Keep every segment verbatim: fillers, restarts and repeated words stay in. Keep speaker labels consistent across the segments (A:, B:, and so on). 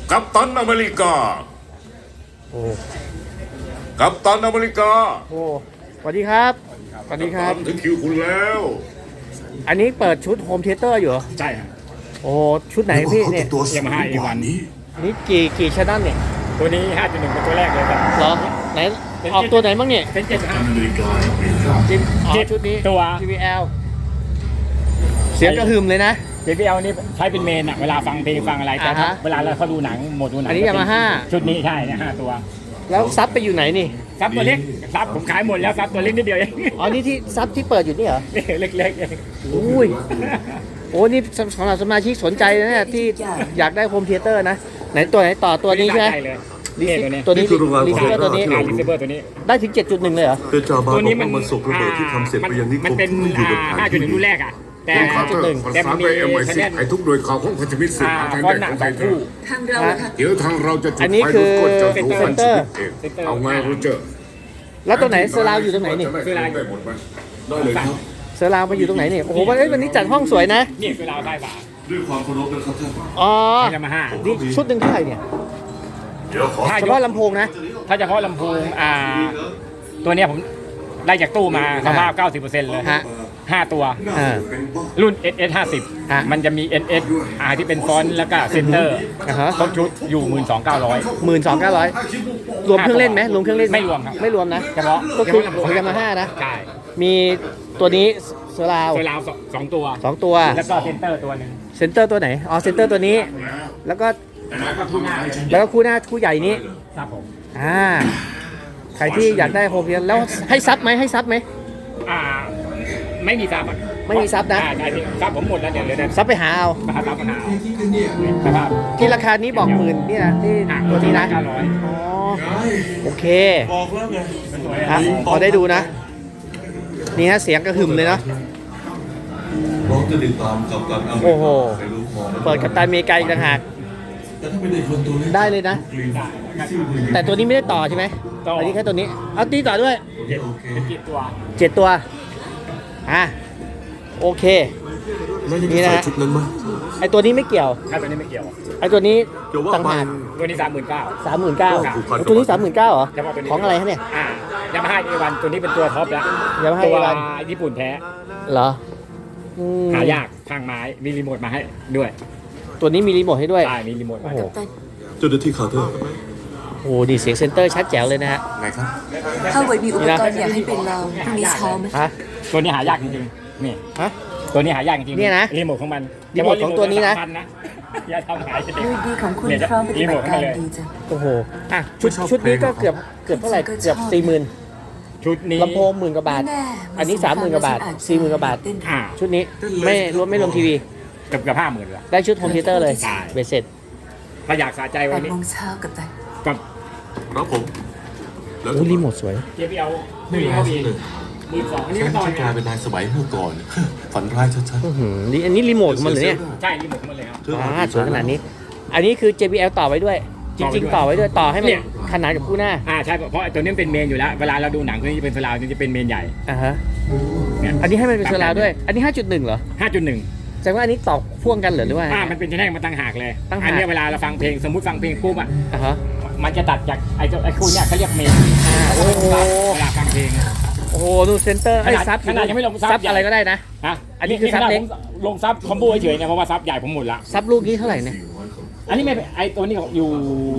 A: กัปตันอเมริกา
B: โอ้
A: กัปตันอเมริกา
B: โหสวัสดีครับสวัสดีครับ
A: ถึงคิวคุณแล้ว
B: อันนี้เปิดชุดโฮมเทเตอร์อยู่เหรอ
C: ใช่ครับ
B: โอ้ชุดไหนพี่เนี่ย
A: ตัว
C: ยามาฮ่าเอวันนี้
B: นี่กี่กี่ชแนลเนี่ย
C: ตัวนี้ ห้าจุดหนึ่ง เป็นตัวแรกเลยครับ
B: เหรอไหนออกตัวไหนบ้างเนี่ย
C: เป็นเจ็ดห้า
B: จิมอ๋อ
C: เจ็ด
B: ชุดนี้
C: ตัว
B: ที วี แอล เสียงกระหึ่มเลยนะ
C: เจ พี แอล นี่ใช้เป็นเมนอะเวลาฟังเพลงฟังอะไรแต่
B: อ่าฮะ
C: เวลาเราเขาดูหนังโหมดดูหนัง
B: อันนี้ Yamaha
C: ชุดนี้ใช่นะห้าตัว
B: แล้วซับไปอยู่ไหนนี่
C: ซับตัวเล็กซับผมขายหมดแล้วซับตัวเล็กนิดเดียวเอง
B: อ๋อนี่ที่ซับที่เปิดอยู่นี่เหรอ
C: เล็กๆเอง
B: อุ้ยโอ้นี่สำหรับสมาชิกสนใจนะเนี่ยที่อยากได้โฮมเทเตอร์นะไหนตัวไหนต่อตัวนี้ใช่ไหม
C: ได้เลย
B: รี
C: นี่
B: ซิ
C: ตัวนี้
B: ตัวนี้รีซิเวอร์ตัวนี้
C: อ่ารีเซเวอร์ตัวนี้
B: ได้ถึง เจ็ดจุดหนึ่ง เลยเหรอ
D: เดจาบา
C: ตัว
D: บอ
C: นี้
D: ก
C: มัน
D: ว่ามันส่งระเบิดที่ทำเสร็จไปยังนิค
C: มัน
D: ม
C: เป็น
D: ที่อยู่บน
C: ห้าจุดหนึ่งรุ่นแรกอะแต่
A: คุณคาร์เตอร์ประ
C: แต่
A: สา
C: มัน น
A: ไป
C: มี
A: เอ็มไอ
C: คะ
A: ซี
C: แนน
A: ให้ทุกหน่วยข่าวของพันธมิตรสื่อ
C: อ่า
A: ทาง
C: ฟอ
A: แด
C: น
A: น
C: หนั
A: ข
C: ง
A: อง
C: ส
A: ไท
C: อง
A: ย
C: คู่
E: ทางเรานะคะ
A: เดี๋ยวทางเราจะจุด
B: อันนี้
A: ไฟ
B: คือ
A: ลุกก้นเจ้า
C: เซ็
A: หนู
C: น
A: พัน
C: เต
A: ธ
C: อร์
A: มิตรเอง
C: เซ็นเตอร์
A: เอาไงโรเจอร์
B: แล้วตัวไหนเซอร์ราวอยู่ตรงไหนนี่
A: เซอร์ราวได้หมดไหม
D: ได้เลยครับ
B: เซอร์ราวมาอยู่ตรงไหนนี่โอ้โหวันนี้วันนี้จัดห้องสวยนะ
C: นี่คือเราได้ป่ะ
D: ด้วยความเคารพนะครับท่าน
B: อ๋อ
C: ยามาฮ่า
B: นี่ชุดหนึ่งเท่าไหร่เนี่ย
D: เดี๋ยวขอ
C: ถ้า
B: เฉ
C: ย
B: พาะ
C: ก
B: ลำโพงนะ
C: ถ้าเฉพาะลำโพงอ่าตัวเนี้ยผมได้จากตู้มาสภาพ เก้าสิบเปอร์เซ็นต์ เลย
B: ฮะ
C: ห้าตัว
B: อ่า
C: รุ่น เอส เอส ห้าสิบ
B: ฮะ
C: มันจะมี เอส เอส อ่าที่เป็นฟอนต์แล้วก็เซนเตอร์
B: อ่าฮะ
C: ครบชุดอยู่ หนึ่งหมื่นสองพันเก้าร้อย
B: หมื่นสองเก้าร้อยรวมเครื่องเล่นไหมรวมเครื่องเล่นห
C: ไม่รวมครับ
B: ไม่รวมนะ
C: เฉพาะ
B: ก็คือ
C: เฉพาะลำโพ
B: ของยามาฮ่านะ
C: ใช่
B: มีตัวนี้เซอร์ราว
C: ตัวราวสองสองตัว
B: สองตัว
C: แล้วก็เซนเตอร์ตัวหนึ่ง
B: เซนเตอร์ตัวไหน อ๋อ เซนเตอร์ตัวนี้ แล้วก็
C: แล้วก็ทุกหน้า
B: แล้วก็คู่หน้าคู่ใหญ่นี้
C: ครับผม
B: อ่า ใครที่อยากได้โฮมเทเตอร์แล้วให้ซับไหมให้ซับไหม
C: อ่าไม่มีซับอ่ะ
B: ไม่มีซับนะ
C: อ่าใช่ซับผมหมดแล้วเดี๋ยวเดี๋ยวเดี๋ยว
B: ซับไปหาเอา
C: มาหาซับปัญหาสภาพ
B: ที่ราคานี้บอกหมื่นนี่นะที่
C: อ่า
B: ตัวนี้นะ
C: เก้าร้อย
B: อ๋อ โอเค
D: บอกแล้วไง
C: สวย
B: อ่ะ
C: อ่ะ
B: พอได้ดูนะ นี่ฮะเสียงกระหึ่มเลยเนาะ
D: ร้องจะติดตามกับการอเมริ
B: โอ้โห
D: กาไปรู้พอไหม
B: เปิดกับตาอเมริกาอีกต่างหาก
D: แต่ถ้าไม่ได้คนตัวเล็ก
B: ได้เลยนะ
D: กรีน
B: แต่ตัวนี้ไม่ได้ต่อใช่ไหม
C: ต่อ
B: อันนี้แค่ตัวนี้ เอาตีต่อด้วย
C: เจ็ดเป็นกี่ตัว
B: เจ็ดตัว อ่ะ โอเค
D: แล้วยัง
B: นี่
D: จะ
B: นะ
D: ใส่ชุดนั้นไหม
B: ไอตัวนี้ไม่เกี่ยว
C: ถ้าตัวนี้ไม่เกี่ยว
B: ไอตัวนี้
D: เกี่ยวว่า
B: ต่าง
D: ไป
B: หาก
C: ตัวนี้สามหมื่นเก้า
B: สามหมื่นเก้า
D: ผูกพันกับ
B: ตัวนี้สามหมื่นเก้าเหรอ
C: เฉพาะตัวนี้
B: ของอะไรฮะเนี่ย
C: อ่ายามาฮ่าเอวันตัวนี้เป็นตัวท็อปแล้ว
B: Yamaha
C: ตัว
B: เอวัน
C: ญี่ปุ่นแท้
B: เหรออืม
C: หายากทางไม้มีรีโมทมาให้ด้วย
B: ตัวนี้มีรีโมทให้ด้วย
C: ใช่มีรีโมท
B: โอ้
C: มา
B: โห
D: เจ้าหน้าที่คาร์เตอร์
B: โอ้โหดีเสียงเซนเตอร์ชัดแจ๋วเลยนะฮะ
D: ไงครับ
E: ถ้าไว้มีอุปกรณ์อยากให้เป็นเราพรุ่งนี้เช้าไหม
B: ฮะ
C: ตัวนี้หายากจริงๆนี่
B: ฮะ
C: ตัวนี้หายากจริงๆ
B: เนี่ยนะ
C: รีโมทของมัน
B: รีโมทของตัวนี้นะ
C: สามพัอย่าทำหายเด็
E: ยูดีของคุณ
C: เนี่ย
E: พร้อมปฏิ
C: รีโม
E: บั
C: ท
E: ติ
C: ให้
E: การ
C: เลย
E: ดีจัง
B: โอ้โห อ่ะ ชุดชุดนี้ก็เกือบเกือบเท่าไหร่ เกือบสี่หมื่น
C: ชุดนี้
B: ลำโพงหมื่นกว่าบาท
E: แน่
B: อันนี้สามหมื่นกว่าบาทสี่หมื่นกว่าบาท
E: เต้น
C: อ่า
B: ชุดนี้ไม่รวมไม่รวมทีวี
C: เกือบเกือบห้าหมื่นละ
B: ได้ชุดโฮมเทเตอร์เลย
C: ใช่
B: เบ็ดเสร็จ
C: ถ้าอยากสะใจ
E: แป
C: วัน
E: ด
C: นี้
E: โมงเช้ากับตัน
C: กับ
D: ครับผมแล้ว
B: โอ้รีโมทสวย
C: เจพีเอล
D: ไม่ร้ายซะเลย
C: หมื่นสองอันนี้
D: ฉั
C: ก็
D: น
C: ต่อ
D: จะกลายเป็นนายสมัยเมื่อก่อน ฝันร้ายชัด
B: อื้อหือนี่อันนี้รีโมทของมันเหรอเนี่ย
C: ใช่รีโมทของมันเลยครับ
D: ๆเธอ
B: อ่าสวยขนาดนี้ อันนี้คือ เจ บี แอล ต่อไว้ด้วย จริง ๆ ต่อไว้ด้วย ต่อให้มัน
C: เนี่ย
B: ขนานกับคู่หน้า
C: อ่าใช่เพราะไอ้ตัวนี้มันเป็นเมนอยู่แล้ว เวลาเราดูหนังตัวนี้จะเป็นสลาวนี่จะเป็นเมนใหญ่
B: อ่าฮะ
C: เนี่ย
B: อันนี้ให้มันเป็นเซอร์ราวด้วย อันนี้ ห้าจุดหนึ่ง เหรอ
C: ห้าจุดหนึ่ง
B: แสดงว่าอันนี้ต่อพ่วงกันเหรอหรือว่า
C: อ่ามันเป็นแท่งมาตั้งหากเลย
B: ตั้งหาก
C: อันเนี้ยเวลาเราฟังเพลงสมมติฟังเพลงปุ๊บอ่ะ
B: อ่าฮะ
C: มันจะตัดจากไอ้ตัวไอ้คู่เนี้ยเขาเรียกเมน
B: โอ้โห
C: เวลาฟังเพลง
B: โอ้โห ดูเซนเตอร์ไอ้
C: ขนาด
B: ซับ
C: ขนาดยังไม่ลงซับ
B: ซับอะไรก็ได้นะ
C: ฮะ
B: อันนี้คือซับเล็ก
C: ผมลงซับคอมโบเฉยๆเนี่ยเพราะว่าซับใหญ่ผมหมดละ
B: ซับลูกนี้เท่าไหร่เนี่ย
C: อันนี้ไม่ไอ้ตัวนี้อยู่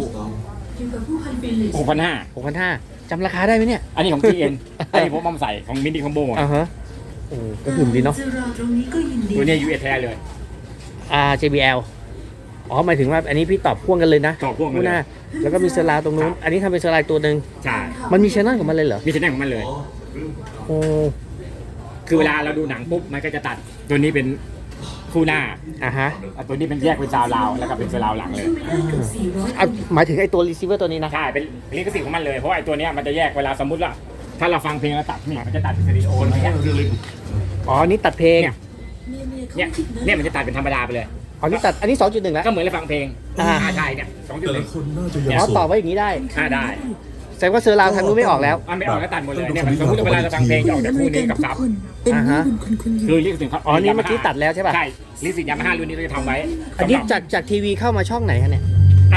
C: หกพันห้า
B: หกพันห้าจำราคาได้ไหมเนี่ย
C: อันนี้ของ ที เอ็น อันนี้ผมเอามาใส่ของมินิคอมโบ
B: อ่าฮะ โอ้ก็หึ่มดีเนาะ
C: ตัวเนี้ย ยู เอส แท้เลย
B: อ่า เจ บี แอล อ๋อหมายถึงว่าอันนี้พี่ตอบพ่วงกันเลยนะ
C: ต่อพ่วงกัน
B: คู่
C: เล
B: หน้าย แล้วก็มีเซอร์ราวตรงนู้น อันนี้ทำเป็นเซอร์ราวตัวหนึ่ง
C: ใช่
B: มันมีชแนลของมันเลยเหรอ
C: มีชแนลของมันเลย
B: โอ้
C: คือเวลาเราดูหนังปุ๊บมันก็จะตัดตัวนี้เป็นคู่หน้า
B: อ่าฮะ
C: อ่ะตัวนี้เป็นแยกเป็นซาวลาวแล้วก็เป็นซาวหลังเลย
B: อ่ะหมายถึงไอ้ตัวรีเซิเวอร์ตัวนี้นะ
C: ใช่เป็นลิขสิทธิ์ของมันเลยเพราะว่าไอ้ตัวเนี้ยมันจะแยกเวลาสมมติว่าถ้าเราฟังเพลงแล้วตัดเนี่ยมันจะตัดเป็นสเตอริโออย่างเงี้ย
B: อ๋ออันนี้ตัดเพลง
C: เนี่ย เนี่ยเนี่ยมันจะตัดเป็นธรรมดาไปเลย
B: อ๋อนี่ตัด อันนี้ สองจุดหนึ่ง แล้ว
C: ก็เหมือนเราฟังเพลง
B: อ่า
C: อ่าใช่เนี่ยสองจุด
D: แต่
C: ห
D: ละ
C: นึ่ง
D: คนน่าจะยัง
B: อ๋อ
D: โส
B: ต่อ
D: ด
B: ไว้อย่างนี้ได้
C: อ่าได้
B: แสดงว่าเซอร์ราวทางนู้นไม่ออกแล้ว
C: มันไม่ออกก็ตัดหมดเลยเนี่ยสมมติว่าเวลาเราฟังเพลงจะออกจากคู่นี้กับซับ
E: เป็น
B: อ่าฮะ
E: บุญคุณคุณอยู่
C: คือลิขสิทธิ์ครับ
B: อ๋อนี่เมื่อกี้ตัดแล้วใช่ป่ะ
C: ใช่ลิขสิทธิ์ยามาฮ่ารุ่นนี้เราจะทำไว้
B: อันนี้
C: สำหรับ
B: จากจากทีวีเข้ามาช่องไหนฮะเนี่ย
C: อ่า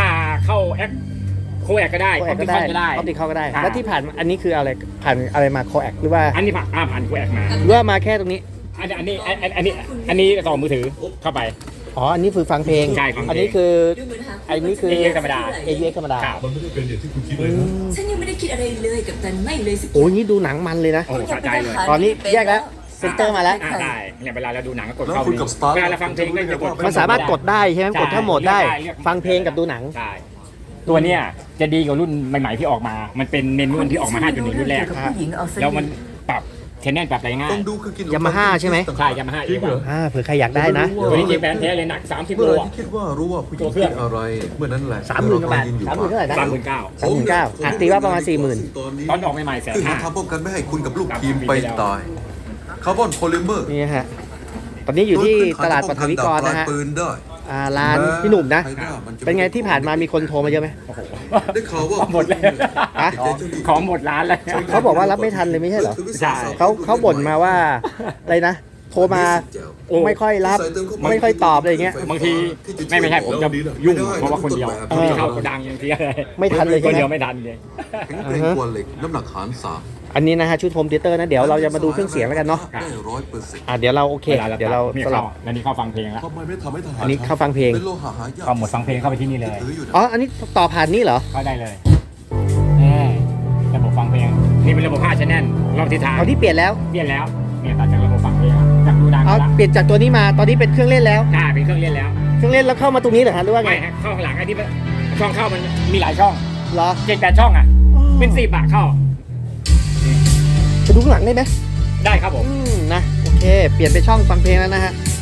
C: เข้าแอคโคแอคก็ได้
B: โค
C: อ
B: แอ
C: อ
B: ค
C: ป
B: ก็
C: ติ
B: ได้
C: คอลก็ได้
B: ออปติคอลก็ได้
C: อ่า
B: แล้วที่ผ่านอันนี้คืออะไรผ่านอะไรมาโคแอคหรือว่า
C: อันนี้ผ่านอ่าผ่านโคแอคมา
B: หรือว่ามาแค่ตรงนี้
C: อันนี้อันนี้อันอันนี้อันนี้ต่อมือถือเข้าไป
B: อ๋ออันนี้คือฟังเพลง
C: ใช่ฟังเพลง
B: อันนี้คืออันนี้คือ
C: เอ เอ ธรรมดา
B: เอ ยู เอ็กซ์ ธรรมดา
C: ครับ
D: มันไม่ได้เป็นอย่างที่คุณคิดเลยนะ
E: ฉันยังไม่ได้คิดอะไรเลยกับตันไม่เลยสัก
B: โอ้ยนี่ดูหนังมันเลยนะ
C: โอ้โหสะใจเลย
B: ตอนนี้แยกแล้วเซนเตอร์มาแล้ว
C: อ่าได้เนี่ยเวลาเราดูหนังก็กด
D: แล้ว
C: เข้า
D: คุณกับ Star
C: เวลาเราฟังเพลงก็จะกด
B: มันสามารถกดได้ใช่ไหม
C: ใช่
B: กดทั้งหมดได้
C: เลือกได้เลือก
B: ฟังเพลงกับดูหนัง
C: ใช่ตัวเนี้ยจะดีกว่ารุ่นใหม่ๆที่ออกมา มันเป็นเมนูที่ออกมา ห้าจุดหนึ่ง รุ่นแรก
E: กับผู้หญิงเอาซะ
C: แล้วมันปรับเทนแนนปรับอะไรง่าย
D: ต้องดูคือกิน
B: ยามาฮ่าใช่ไหม
C: ใช่ยามาฮ่า
D: จริงเหรอ
B: อ่าเผื่อใครอยากได้นะ
C: ตัวนี้จริงแบรนด์แท้เลยหนักสามสิบ
D: เมื่อ
C: โล
D: ไหรที่คิดว่ารู้ว่าผู้หญิงคิดอะไร เมื่อนั้นแหละ
B: สามหมื่นกว่าบาทสามหมื่นเท่าไหร่นะ
C: สามหมื่นเก้า
B: สามหมื่นเก้าอ่ะตีว่าประมาณสี่หมื่น
C: ตอนออกใหม่ๆแสน
D: ซึ่ง
C: ห้า
D: ทำป้องกันไม่ให้คุณกับลูกทีมไปตายคาร์บอนโพลิเมอร์
B: นี่ฮะตอนนี้อยู่ที่ตลาดปฐวิกรนะฮะ
D: ปืนได้
B: อ่าร้านพี่หนุ่มนะ เป็นไงที่ผ่านมามีคนโทรมาเยอะไหม
C: โอ้โห
D: ได้ข่าวว่า
C: หมดเลย
B: ฮะ
C: ของหมดร้านเลย
B: เขาบอกว่ารับไม่ทันเลยไม่ใช่เหรอ
C: ใช่
B: เขาเขาบ่นมาว่าอะไรนะ โทรมาไม่ค่อยรับไม่ค่อยตอบอะไรอย่างเงี้ย
C: บางทีไม่ไม่ใช่ผมจะยุ่งเพราะว่าคนเดียวมีเข้าโกดังอย่างเดียวเลย
B: ไม่ทันเลย
C: ค
B: ใช่
C: น
B: ไหม
C: เดียวไม่ทันเลย
D: แข็งแกร่งกว่าเหล็กน้ำหนักหารสาม
B: อันนี้นะฮะชุดโฮมเทเตอร์นะเดี๋ยวเราจะมาดูเครื่องเสียงแล้วกันเนาะ
D: ได้ร้อยเปอร์เซ็นต์
B: อ่ะเดี๋ยวเราโอเค
C: วล
B: เดี๋ยวเรา
C: นี่
B: สลั
C: เข้า
B: บ
C: แล้วนี่เข้าฟังเพลงแล้ว
D: ทำไมไม่ทำให้ทหาร
B: อันนี้เข้าฟังเพลง
D: เป็นโลหะหายาก
C: เข้าหมดฟังเพลงเข้าไปที่นี่เลย
D: ถืออยู่นะ
B: อ๋ออันนี้ต่อผ่านนี่เหรอ
C: เข้าได้เลยนี่ระบบฟังเพลงนี่เป็นระบบห้าชแนลรอบทิศทาง
B: เอาที่เปลี่ยนแล้ว
C: เปลี่ยนแล้วเนี่ยตัดจากระบบฟังเพลงจากดูดัง
B: เอา
C: แล้ว
B: เปลี่ยนจากตัวนี้มาตอนนี้เป็นเครื่องเล่นแล้ว
C: ใช่เป็นเครื่องเล่นแล้ว
B: เครื่องเล่นแล้วเข้ามาตรงนี้เหรอฮะหรือว่าไง
C: ไม่ฮะเข้าข้างหลังไอ้ที่ช่องเข้ามันมีหลายช่อง
B: เหรอ
C: เจ็ดแปดช่องอ่ะเป็นสี่บาทเข้า
B: ไปดูข้างหลังได้ไหม
C: ได้ครับผม
B: อืมนะโอเค เปลี่ยนไปช่องฟังเพลงแล้วนะฮะ